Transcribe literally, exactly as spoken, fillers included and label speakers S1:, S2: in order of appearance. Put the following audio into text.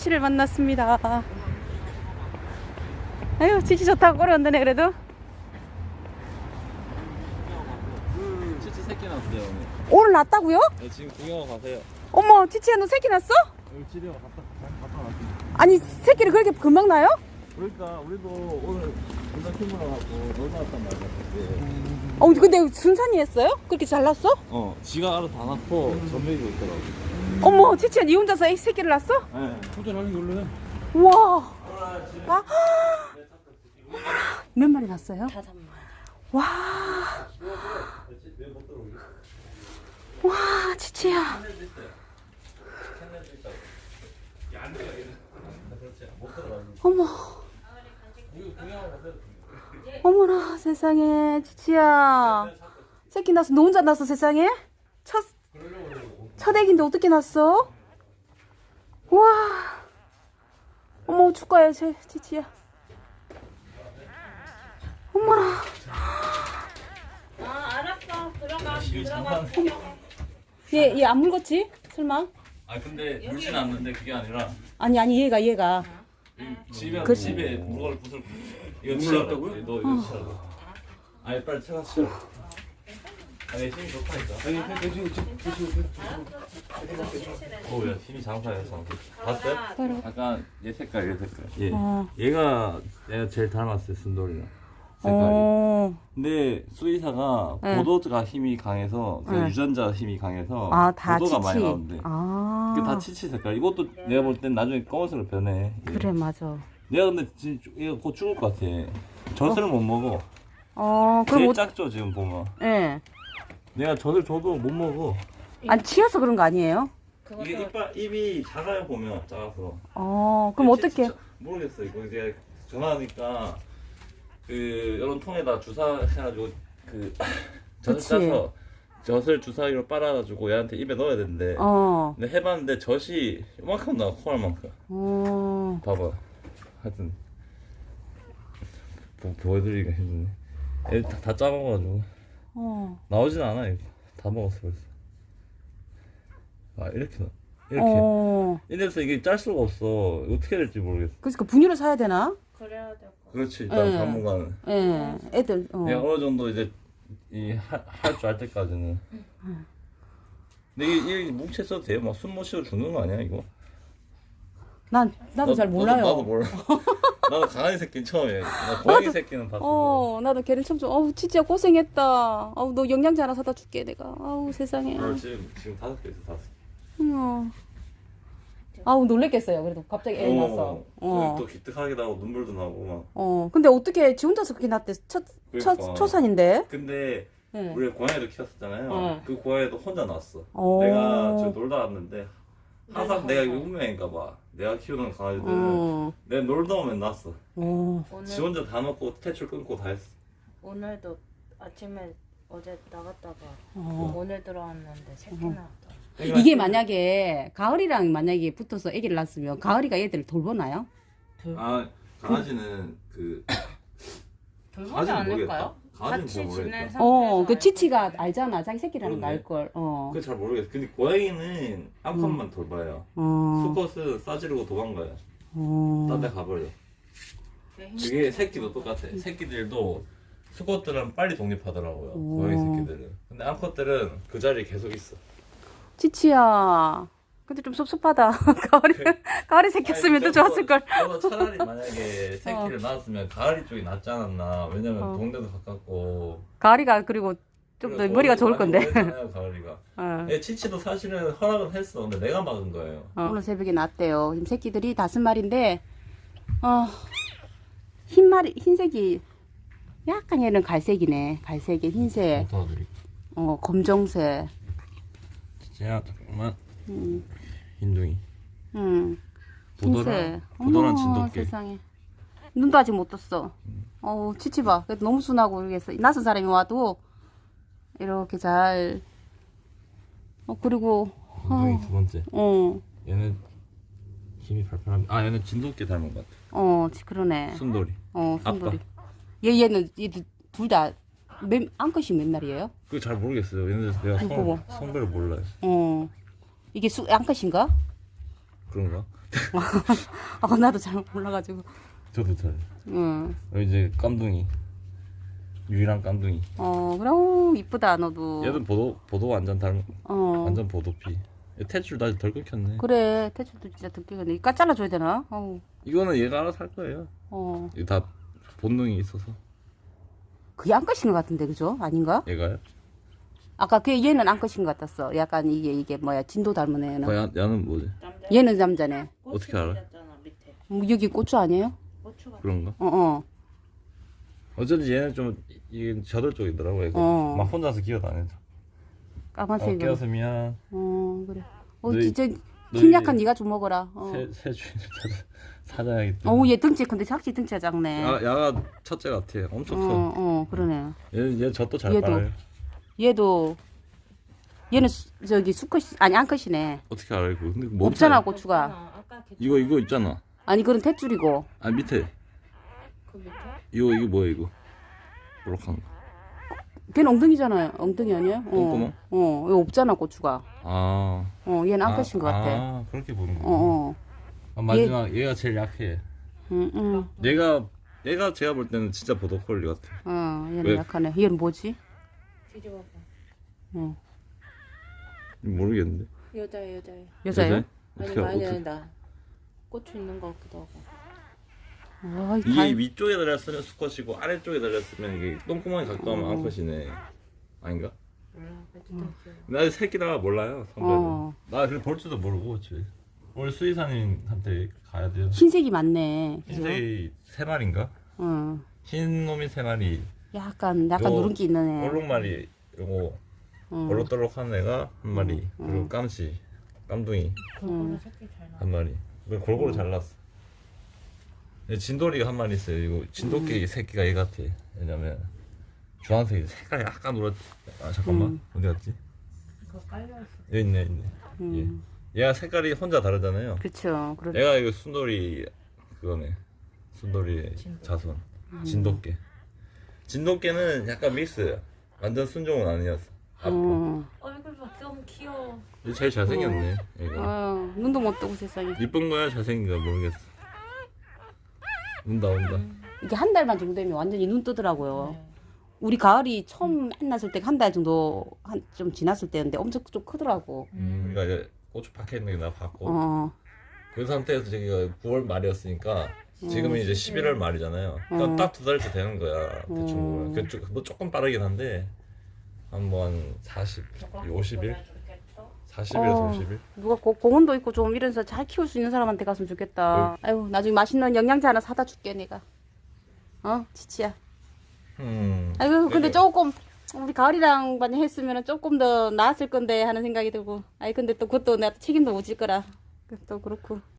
S1: 치치를 만났습니다. 아유, 치치 좋다고 꼬리온다네 그래도.
S2: 치치 새끼 났어요 오늘.
S1: 오늘 났다고요?
S2: 네, 지금 구경 가세요.
S1: 어머, 치치야 너 새끼 났어?
S2: 여기 집에 갔다 갔다 왔습니다.
S1: 아니 새끼를 그렇게 금방 나요?
S2: 그러니까 우리도 오늘 분당 친구랑 하고 놀러 왔단 말이야. 그때.
S1: 어 근데 순산이 했어요? 그렇게 잘 났어?
S2: 어, 지가 알아서 다 낳고 전매기도 있더라고.
S1: 어머, 치치야 니 혼자서 애 새끼를 낳았어?
S2: 네. 호전하기 원래.
S1: 우와. 아, 몇 마리 났어요?
S3: 다섯 마리.
S1: 와. 와, 치치야. 어머. 어머나 세상에 치치야. 새끼 낳았어. 너 혼자 낳았어 세상에? 첫, 첫 애기인데 어떻게 낳았어? 와. 어머 축하해 제 치치야. 어머나.
S3: 아 알았어. 들어가. 들어가.
S1: 얘 얘 안 물었지? 설마?
S2: 아 근데 물진 않는데 그게 아니라
S1: 아니 아니 얘가 얘가.
S2: 집에
S1: 그-
S2: 집에 물건을 부술 이거 치라고요? 너 이거 치라고. 아니 빨리 차가 치라. 아니 힘이 좋다니까. 아니 대충 대충 오야 힘이 장사해서 봤어요?
S1: 바로.
S2: 약간 얘 색깔 얘 색깔. 얘
S1: 어.
S2: 얘가 내가 제일 닮았어요 순돌이랑 색깔이.
S1: 어.
S2: 근데 수의사가
S1: 네.
S2: 보도가 힘이 강해서 그
S1: 네.
S2: 유전자 힘이 강해서
S1: 아, 다
S2: 보도가
S1: 치치.
S2: 많이 나오는데
S1: 아.
S2: 그게 다 치치 색깔. 이것도 내가 볼 땐 나중에 검은색으로 변해. 얘.
S1: 그래 맞아.
S2: 내가 근데 진짜 얘가 곧 죽을 것 같아. 젖을 못 먹어.
S1: 어, 그럼
S2: 제일
S1: 어,
S2: 작죠 지금 보면.
S1: 예.
S2: 내가 젖을 줘도 못 먹어.
S1: 아니 치여서 그런 거 아니에요?
S2: 이게 이빨 입이 작아요 보면 작아서.
S1: 어, 그럼
S2: 치-
S1: 어떻게?
S2: 치- 모르겠어 이거 이제 전화하니까 그 이런 통에다 주사해가지고 그 젖을
S1: 그치.
S2: 짜서 젖을 주사기로 빨아가지고 얘한테 입에 넣어야 되는데.
S1: 어.
S2: 근데 해봤는데 젖이 이만큼 나와 콩알만큼.
S1: 어.
S2: 봐봐. 하여튼 보, 보여드리기가 힘드네. 애들 다, 다 짜먹어가지고
S1: 어.
S2: 나오진 않아 이거. 다 먹었어 벌써. 아 이렇게 나 이렇게
S1: 어.
S2: 이래서 이게 짤 수가 없어. 어떻게 될지 모르겠어.
S1: 그래서 그 분유를 사야 되나?
S3: 그래야 될 거.
S2: 그렇지 일단
S1: 네.
S2: 당분간은
S1: 예. 애들. 어.
S2: 내가 어느 정도 이제 이할 줄 알 때까지는. 근데 이게, 이게 뭉쳐 써도 돼요? 막 숨 못 쉬어 죽는 거 아니야 이거?
S1: 난 나도
S2: 나-
S1: 잘 몰라요.
S2: 나도, 나도 몰라. 나도 강아지 새끼는 처음이에요. 나 고양이 새끼는 봤어.
S1: 어, 나도 걔를 처음 좀. 어우, 진짜 고생했다. 어우, 너 영양제 하나 사다 줄게 내가. 아우 세상에.
S2: 어, 지금 지금 다섯 개 있어 다섯 개.
S1: 어. 아우 놀랬겠어요. 그래도 갑자기 애 낳아서. 어.
S2: 또 기특하기도 하고 눈물도 나고 막.
S1: 어. 근데 어떻게 지 혼자서 그렇게 낳대? 첫, 첫
S2: 그러니까.
S1: 초산인데.
S2: 근데
S1: 네.
S2: 우리 고양이도 키웠었잖아요.
S1: 어.
S2: 그 고양이도 혼자 낳았어.
S1: 어.
S2: 내가 저 놀다 왔는데 항상 내가 이거 운명인가 봐. 내가 키우는 강아지들은
S1: 어.
S2: 내가 놀다 오면 낳았어.
S1: 어.
S2: 지
S3: 오늘
S2: 혼자 다 먹고 퇴출 끊고 다 했어.
S3: 오늘도 아침에 어제 나갔다가
S1: 어.
S3: 오늘 들어왔는데 새끼 나왔다.
S2: 그러니까
S1: 이게 만약에 가을이랑 만약에 붙어서 아기를 낳았으면 가을이가 얘들을 돌보나요?
S2: 아 강아지는 그
S3: 돌보지
S2: 강아지는
S3: 않을까요?
S2: 모르겠다.
S3: 같이
S2: 강아지는 뭐
S3: 지낸
S2: 모르겠다.
S3: 상태에서
S1: 어, 그
S3: 알
S1: 치치가
S3: 건데.
S1: 알잖아. 자기 새끼라는 거
S2: 그러네.
S1: 알걸. 어.
S2: 그건 잘 모르겠어. 근데 고양이는 암컷만 돌봐요.
S1: 어.
S2: 수컷은 싸지르고 도망가요.
S1: 어.
S2: 딴 데 가버려.
S3: 왜 힘-
S2: 그게 새끼도 똑같아. 새끼들도 수컷들은 빨리 독립하더라고요.
S1: 오.
S2: 고양이 새끼들은. 근데 암컷들은 그 자리에 계속 있어.
S1: 치치야. 근데 좀 섭섭하다. 가을이, 가을이 새꼈으면 더 좋았을 걸.
S2: 저도 차라리 만약에 새끼를 낳았으면 가을이 쪽이 낫지 않았나. 왜냐면
S1: 어.
S2: 동네도 가깝고.
S1: 가을이가 그리고 좀 더 머리가 좋을 건데.
S2: 잖아요 가을이가.
S1: 어.
S2: 애 치치도 사실은 허락은 했어. 근데 내가 막은 거예요.
S1: 어. 오늘 새벽에 났대요. 지금 새끼들이 다섯 마리인데, 어, 흰 마리, 흰색이, 약간 얘는 갈색이네. 갈색에 흰색,
S2: 도와드릴게.
S1: 어, 검정색.
S2: 치치야 잠깐만.
S1: 음,
S2: 흰둥이.
S1: 음.
S2: 보더란
S1: 흰색.
S2: 보더란
S1: 어머,
S2: 진돗개.
S1: 세상에. 눈도 아직 못 떴어. 어우, 치치 봐. 그래도 너무 순하고, 이렇게 낯선 사람이 와도, 이렇게 잘, 어, 그리고,
S2: 흰둥이
S1: 어,
S2: 두 번째.
S1: 어,
S2: 얘는 힘이 팔팔한. 아 얘는 진돗개 닮은 것 같아.
S1: 어, 그러네.
S2: 순돌이.
S1: 어,
S2: 아빠.
S1: 순돌이. 얘, 얘는, 얘들 둘 다, 몇, 암컷이 몇 날이에요?
S2: 그거 잘 모르겠어요. 얘는 내가
S1: 아이고.
S2: 성, 성별을 몰라요.
S1: 어. 이게 수, 암컷인가?
S2: 그런가?
S1: 아 나도 잘 몰라가지고.
S2: 저도 잘.
S1: 응.
S2: 여기 이제 깜둥이. 유일한 깜둥이.
S1: 어 그래 오, 이쁘다 너도.
S2: 얘는 보도 보도 완전 닮.
S1: 어.
S2: 완전 보도피. 태줄 다시 덜 끊겼네.
S1: 그래 태출도 진짜 듣기겠네. 이까 잘라줘야 되나? 어우.
S2: 이거는 얘가 알아서 할 거예요.
S1: 어.
S2: 이거 다 본능이 있어서.
S1: 그게 안 끝인 것 같은데 그죠? 아닌가?
S2: 얘가요?
S1: 아까 그 얘는 안 끝인 것 같았어. 약간 이게 이게 뭐야 진도 닮은 애는.
S2: 어, 야, 야는 뭐지?
S3: 남자
S1: 얘는 남자네.
S2: 어떻게 알아?
S3: 잖아 밑에.
S1: 뭐 여기 고추 아니에요?
S3: 고추가.
S2: 그런가?
S1: 어 어.
S2: 어쩐지 얘는 좀 이게 저들 쪽이더라고 얘가.
S1: 어.
S2: 막 혼자서 기어다녀.
S1: 까만색.
S2: 어, 깨어서 미안.
S1: 어 그래. 어
S2: 너희-
S1: 진짜
S2: 너희
S1: 힘 약한 네가 좀 먹어라. 어.
S2: 새, 새 주인을 찾아 찾아야기 때문에.
S1: 어우 얘 등치 근데 작지 등치가 작네.
S2: 야, 야가 첫째 같아. 엄청 커.
S1: 어, 어, 그러네.
S2: 얘는 얘 젖도 잘
S1: 얘도.
S2: 빨아요.
S1: 얘도 얘는 수, 저기 수컷이 아니 암컷이네.
S2: 어떻게 알아 이거? 근데 뭐
S1: 없잖아
S2: 없잖아.
S1: 고추가.
S3: 아까 걔
S2: 이거 이거 있잖아.
S1: 아니 그건 탯줄이고.
S2: 아 밑에
S3: 그 밑에?
S2: 이거 이거 뭐야 이거? 요렇한 거.
S1: 걔는 엉덩이잖아요. 엉덩이 아니야? 어.
S2: 똥구멍?
S1: 어, 이거 없잖아 고추가.
S2: 아.
S1: 어, 얘는
S2: 아,
S1: 암컷인 것 같아.
S2: 아 그렇게 보는구나.
S1: 어, 어.
S2: 아, 마지막 얘... 가 제일 약해.
S1: 응, 응.
S2: 얘가 얘가 제가 볼 때는 진짜 보더콜리 같아.
S1: 어, 얘는
S2: 왜?
S1: 약하네. 얘는 뭐지?
S3: 뒤집어봐.
S1: 어.
S2: 모르겠는데.
S3: 여자애 여자애.
S1: 여자예요?
S3: 아니
S2: 어떻게
S3: 많이
S2: 어떻게?
S3: 된다. 고추 있는 것 같기도 하고.
S1: 아,
S2: 이게
S1: 다...
S2: 위쪽에 달렸으면 수컷이고 아래쪽에 달렸으면 이게 똥구멍이 가까우면
S1: 어.
S2: 암컷이네. 아닌가?
S3: 몰라. 어쨌든
S2: 나 아직 새끼라 몰라요. 성별은.
S1: 어.
S2: 나 그래 볼 줄도 모르고 지금. 오늘 수의사님한테 가야 돼요.
S1: 흰색이 많네. 그죠?
S2: 흰색이 세 마리인가?
S1: 어.
S2: 흰 놈이 세 마리.
S1: 약간 약간
S2: 요
S1: 누른기 있는 애.
S2: 얼룩말이 그리고
S1: 어.
S2: 얼룩덜룩한 애가 한 마리.
S1: 음.
S2: 그리고 깜시, 깜둥이
S3: 골고루 새끼 잘 나.
S2: 한 마리. 그걸 골고루
S1: 음.
S2: 잘랐어. 얘 진돌이가 한 마리 있어요. 이거 진돗개
S1: 음.
S2: 새끼가 얘 같아. 왜냐면 주황색이 색깔이 약간 노랗. 아 잠깐만
S1: 음.
S2: 어디 갔지?
S3: 그거 깔려 있어.
S2: 여기 있네 있네.
S1: 음.
S2: 얘. 얘가 색깔이 혼자 다르잖아요.
S1: 그렇죠. 그래.
S2: 얘가 이거 순돌이 그거네. 순돌이의
S3: 진돗개.
S2: 자손.
S1: 음.
S2: 진돗개. 진돗개는 약간 믹스야. 완전 순종은 아니었어. 아빠.
S1: 어.
S3: 얼굴 봐 너무 귀여워.
S2: 얘 제일 잘생겼네. 얘가.
S1: 어. 눈도 못 뜨고 세상에.
S2: 이쁜 거야 잘생긴 거야 모르겠어. 온다 온다.
S1: 이게 한 달만 정도 되면 완전히 눈 뜨더라고요.
S3: 네.
S1: 우리 가을이 처음 만났을 때 한 달 정도 한 좀 지났을 때였는데 엄청 좀 크더라고.
S2: 음, 그러니까 이제 고추 박혀 있는 게 나 봤고
S1: 어.
S2: 그 상태에서 저기가 구월 말이었으니까 지금은 이제 십일월 말이잖아요. 그러니까
S1: 음.
S2: 딱 두 달째 되는 거야 대충
S1: 음.
S2: 보면. 그 조- 뭐 조금 빠르긴 한데 한 뭐 한 사십, 오십 일, 사십 일에서
S1: 어.
S2: 오십 일.
S1: 누가 고, 공원도 있고 좀 이래서 잘 키울 수 있는 사람한테 갔으면 좋겠다. 아유 나중에 맛있는 영양제 하나 사다 줄게 내가. 어 치치야.
S2: 음.
S1: 아이고 근데
S2: 그래.
S1: 조금 우리 가을이랑만 했으면 조금 더 나았을 건데 하는 생각이 들고. 아이 근데 또 그것도 내가 책임도 못 질 거라. 또 그렇고.